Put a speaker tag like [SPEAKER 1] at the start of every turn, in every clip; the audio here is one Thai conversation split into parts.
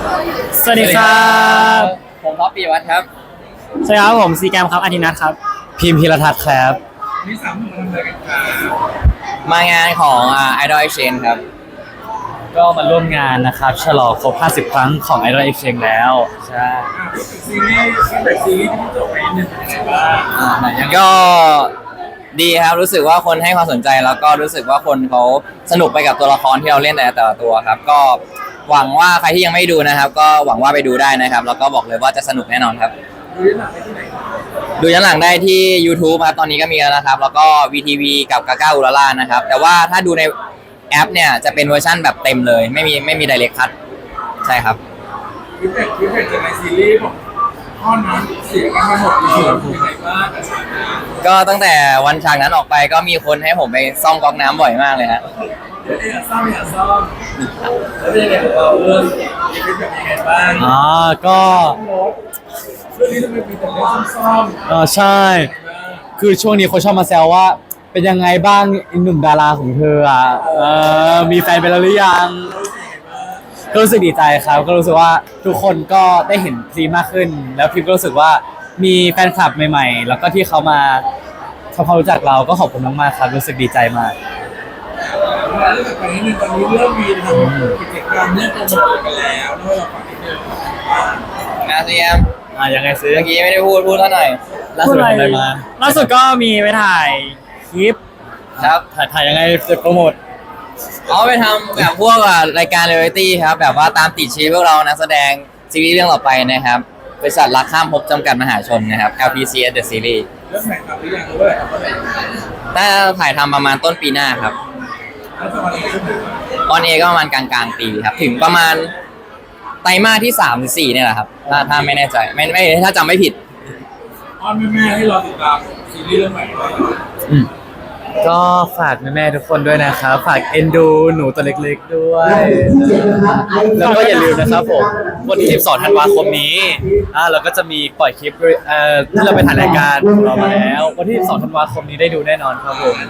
[SPEAKER 1] สวัสดีครับ
[SPEAKER 2] ผมท็อปปีวัฒน์ครับ
[SPEAKER 1] สวัสดีครับผมซีแกมครับอาทินัทครับพิมพ์พิรทัศน์ครับ
[SPEAKER 3] นี่สามคนทำอะไรกันครับ
[SPEAKER 2] มางานของIdol Exchange ครับ
[SPEAKER 1] ก็มาร่วมงานนะครับฉลองครบ50 ครั้งของ Idol Exchange แล้วใช่
[SPEAKER 3] พูดถึงซีรีส์ตั้งแต่ซีรีส์ที่จบไปนิดนึงเป็นยังไงบ้าง
[SPEAKER 2] ก็ดีครับรู้สึกว่าคนให้ความสนใจแล้วก็รู้สึกว่าคนเขาสนุกไปกับตัวละครที่เราเล่นแต่ละตัวครับก็หวังว่าใครที่ยังไม่ดูนะครับ ก็หวังว่าไปดูได้นะครับแล้วก็บอกเลยว่าจะสนุกแน่นอนครับ
[SPEAKER 3] ดูย้อนหลังได้ที่ไหน
[SPEAKER 2] ดูย้อนหลังได้ที่ YouTube ครับตอนนี้ก็มีแล้วนะครับแล้วก็ VTV กับกาก้าอุราล่านะครับแต่ว่าถ้าดูในแอปเนี่ยจะเป็นเวอร์ชั่นแบบเต็มเลยไม่มี Direct Cut ใช่ครับ
[SPEAKER 3] วิเศษจากในซีรีส์บอกพ่อน้ำเสียกันมาหมดเลยเป็นยังไงบ้างกับฉากนั้น
[SPEAKER 2] ก็ตั้งแต่วันฉากนั้นออกไปก็มีคนให้ผมไปซ่อมก๊อกน้ำบ่อยมากเลยฮะ
[SPEAKER 3] เดี๋ยวซ่อมแล้วเป็นยังไงของเราเรื่องมีเป็นแบบยังไงบ้าง
[SPEAKER 1] ก็
[SPEAKER 3] เรื่องนี้ทำไมมีแต่เรื่องซ่อม
[SPEAKER 1] ใช่คือช่วงนี้คนชอบมาแซวว่าเป็นยังไงบ้างอีกหนุ่มดาราของเธอมีแฟนไปแล้วหรือยังก็รู้สึกดีใจครับก็รู้สึกว่าทุกคนก็ได้เห็นพรีมมากขึ้นแล้วพิมก็รู้สึกว่ามีแฟนคลับใหม่ๆแล้วก็ที่เขามาทำความรู้จักเราก็ขอบคุณมากๆครับรู้สึกดีใจมาก
[SPEAKER 3] เรื่องต่อไปนิดนึงตอนนี้เริ่มมีทำกิจกรรมเรื่องโปรโมทกันแล้วด้วยเราฝากนิดนึง
[SPEAKER 2] งานเซียม
[SPEAKER 1] ยังไงซื้อ
[SPEAKER 2] เมื่อกี้ไม่ได้พูดเท่าหน่อย
[SPEAKER 1] ล่าสุดอะไรมาล่าสุดก็มีไปถ่ายคลิป
[SPEAKER 2] ครับ
[SPEAKER 1] ถ่ายยังไงจะโปรโมท
[SPEAKER 2] เอาไปทำแบบพวกรายการเรียลลิตี้ครับแบบว่าตามติดชีวิตพวกเรานักแสดงซีรีส์เรื่องต่อไปนะครับบริษัทรักข้ามภพจำกัดมหาชนนะครับ LPCS The Series
[SPEAKER 3] เรื่องไหนครับหรือยังหรือว่าอะไรครับ
[SPEAKER 2] ถ้าถ่ายทำประมาณต้นปีหน้าครับ
[SPEAKER 3] แล้วจะมาอะไรขึ้นถึง
[SPEAKER 2] ตอนเอก็ประมาณกลางปีครับถึงประมาณไตรมาสที่3 หรือ 4เนี่ยแหละครับถ้าไม่แน่ใจไม่ถ้าจำไม่ผิด
[SPEAKER 3] อ้อนแม่ให้รอติดตามซีรีส์เรื่องใหม่ด้วย
[SPEAKER 1] ก็ฝากแม่ๆทุกคนด้วยนะครับฝากเอ็นดูหนูตัวเล็กๆด้วยแล้วก็อย่าลืมนะครับผมวันที่12 ธันวาคมนี้เราก็จะมีปล่อยคลิปที่เราไปถ่ายรายการของเรามาแล้ววันที่12 ธันวาคมนี้ได้ดูแน่นอนครับผม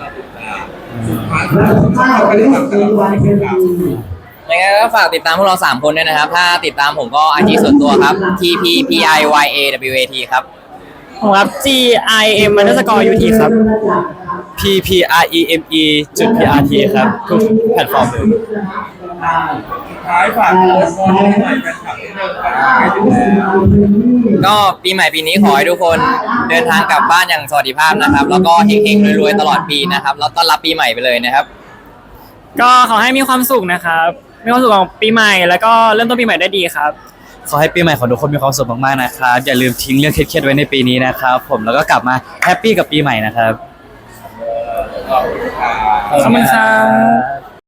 [SPEAKER 2] ยังไงก็ฝากติดตามพวกเรา3 คนด้วยนะครับถ้าติดตามผมก็IG ส่วนตัวครับ TPPIYAWAT ครับ
[SPEAKER 1] ผมครับ GIM_UT ครับ PPREME.PRT ครับทุกแพลตฟอร์มเลย
[SPEAKER 3] ท้ายฝากโพสต์บอลให้หน่อยกันครับนิดนึง
[SPEAKER 2] ก็ปีใหม่ปีนี้ขอให้ทุกคนเดินทางกลับบ้านอย่างสวัสดิภาพนะครับแล้วก็เฮงๆรวยๆตลอดปีนะครับแล้วต้อนรับปีใหม่ไปเลยนะครับ
[SPEAKER 1] ก็ขอให้มีความสุขนะครับมีความสุขของปีใหม่แล้วก็เริ่มต้นปีใหม่ได้ดีครับขอให้ปีใหม่ของทุกคนมีความสุขมากๆนะครับอย่าลืมทิ้งเรื่องเครียดๆไว้ในปีนี้นะครับผมแล้วก็กลับมาแฮปปี้กับปีใหม่นะครับขอบคุณครับ